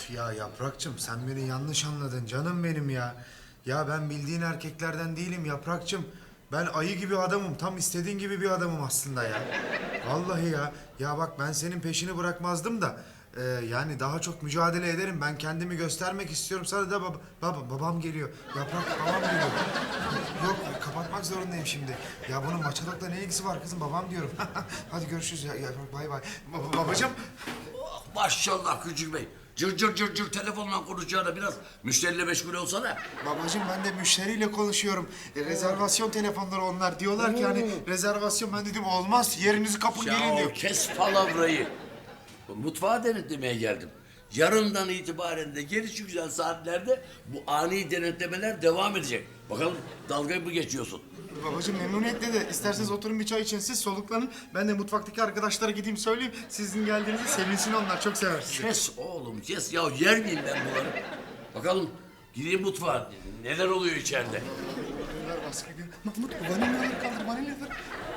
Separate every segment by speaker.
Speaker 1: Ya Yaprakçım, sen beni yanlış anladın canım benim ya. Ya ben bildiğin erkeklerden değilim Yaprakçım. Ben ayı gibi adamım. Tam istediğin gibi bir adamım aslında ya. Vallahi ya. Ya bak, ben senin peşini bırakmazdım da. Yani daha çok mücadele ederim. Ben kendimi göstermek istiyorum. Sana da babam geliyor. Yaprak, babam geliyor. Yok, kapatmak zorundayım şimdi. Ya bunun maçalıkla ne ilgisi var kızım? Babam diyorum. Hadi görüşürüz ya. Yaprak, bay bay. Babacığım.
Speaker 2: Oh, maşallah Küçük Bey. Cır cır cır cır telefonla konuşacağına biraz müşteriyle meşgul olsana.
Speaker 1: Babacığım, ben de müşteriyle konuşuyorum. Rezervasyon telefonları onlar. Diyorlar ki hani rezervasyon, ben dedim olmaz. Yerinizi kapın gelin
Speaker 2: Ya
Speaker 1: diyor.
Speaker 2: kes palavrayı. Mutfağa denetlemeye geldim. Yarından itibaren de gelişi güzel saatlerde bu ani denetlemeler devam edecek. Bakalım dalgayı mı geçiyorsun?
Speaker 1: Babacığım, memnuniyetle de isterseniz oturun bir çay için, siz soluklanın. Ben de mutfaktaki arkadaşlara gideyim söyleyeyim. Sizin geldiğinizi sevinsin, onlar çok sever sizi.
Speaker 2: Kes oğlum kes ya, yer miyim ben bunları? Bakalım gideyim mutfağa, neler oluyor içeride?
Speaker 1: Bunlar baskı gibi. Mahmut, vanilyaları kaldır, vanilyaları.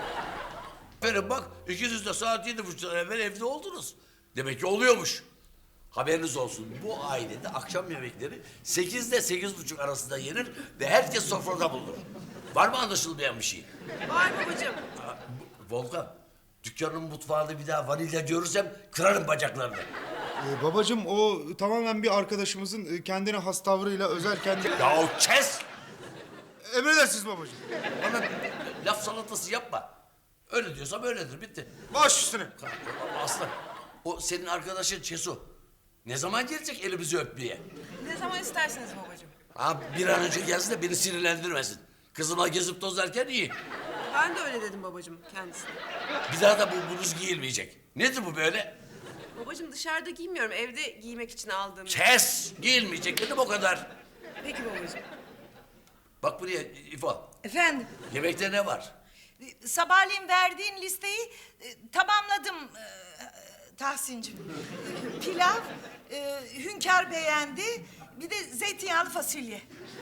Speaker 2: Aferin bak, ikiniz de saat 7.30'dan evvel evde oldunuz. Demek ki oluyormuş. Haberiniz olsun, bu ailede akşam yemekleri 8 ile 8.30 arasında yenir ve herkes sofrada bulunur. Var mı anlaşılmayan bir şey?
Speaker 3: Var babacığım.
Speaker 2: Volkan, dükkanın mutfağında bir daha vanilya görürsem kırarım bacaklarını.
Speaker 1: Babacığım, o tamamen bir arkadaşımızın kendine has tavrıyla özel kendi...
Speaker 2: Ya kes!
Speaker 1: Emredersiniz babacığım.
Speaker 2: Bana laf salatası yapma. Öyle diyorsam öyledir, bitti.
Speaker 1: Baş üstüne.
Speaker 2: Aslı, o senin arkadaşın Çesu. Ne zaman gelecek elimizi öpmeye?
Speaker 3: Ne zaman isterseniz babacığım.
Speaker 2: Ha, bir an önce gelsin de beni sinirlendirmesin. Kızımla gezip tozarken iyi.
Speaker 3: Ben de öyle dedim babacığım kendisine.
Speaker 2: Bir daha da bu bluz giyilmeyecek. Nedir bu böyle?
Speaker 3: Babacığım, dışarıda giymiyorum. Evde giymek için aldığım.
Speaker 2: Kes! Giyilmeyecek dedim, o kadar.
Speaker 3: Peki babacığım.
Speaker 2: Bak buraya İfo.
Speaker 4: Efendim,
Speaker 2: Yemekte ne var?
Speaker 4: sabahleyin verdiğin listeyi tamamladım Tahsin'cim. Pilav, hünkâr beğendi, bir de zeytinyağlı fasulye.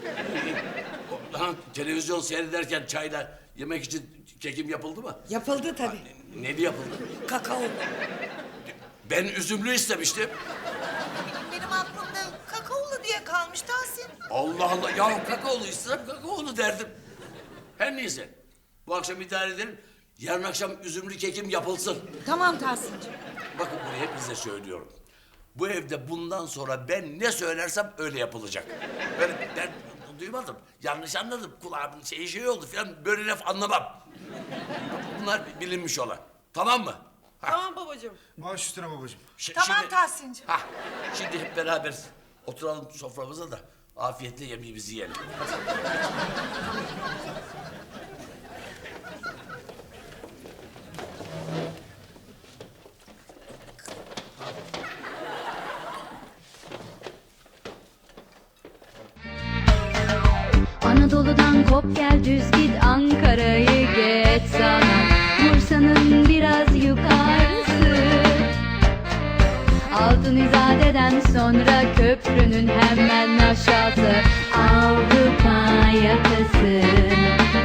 Speaker 2: Lan televizyon seyrederken çayla yemek için kekim yapıldı mı?
Speaker 4: Yapıldı tabii.
Speaker 2: Neli yapıldı?
Speaker 4: Kakao.
Speaker 2: Ben üzümlü istemiştim.
Speaker 4: Benim aklımda kakaolu diye kalmış Tahsin.
Speaker 2: Allah Allah, ya kakaolu istem, kakaolu derdim. Her neyse, bu akşam idare edelim. Yarın akşam üzümlü kekim yapılsın.
Speaker 4: Tamam Tahsin'cim.
Speaker 2: Bakın bunu hepinize söylüyorum. Bu evde bundan sonra ben ne söylersem öyle yapılacak. Ben duymadım, yanlış anladım. Kulağımın şey oldu falan, böyle laf anlamam. Bunlar bilinmiş olan. Tamam mı?
Speaker 3: Tamam babacığım.
Speaker 1: Baş üstüne babacığım.
Speaker 4: Tamam Tahsin'cim.
Speaker 2: Şimdi hep beraber oturalım soframıza da afiyetle yemeğimizi yiyelim.
Speaker 5: Anadolu'dan kop gel düz git, Ankara'yı geç sana, Bursa'nın biraz yukarısı. Altın İzade'den sonra köprünün hemen aşağısı, Avrupa yakası.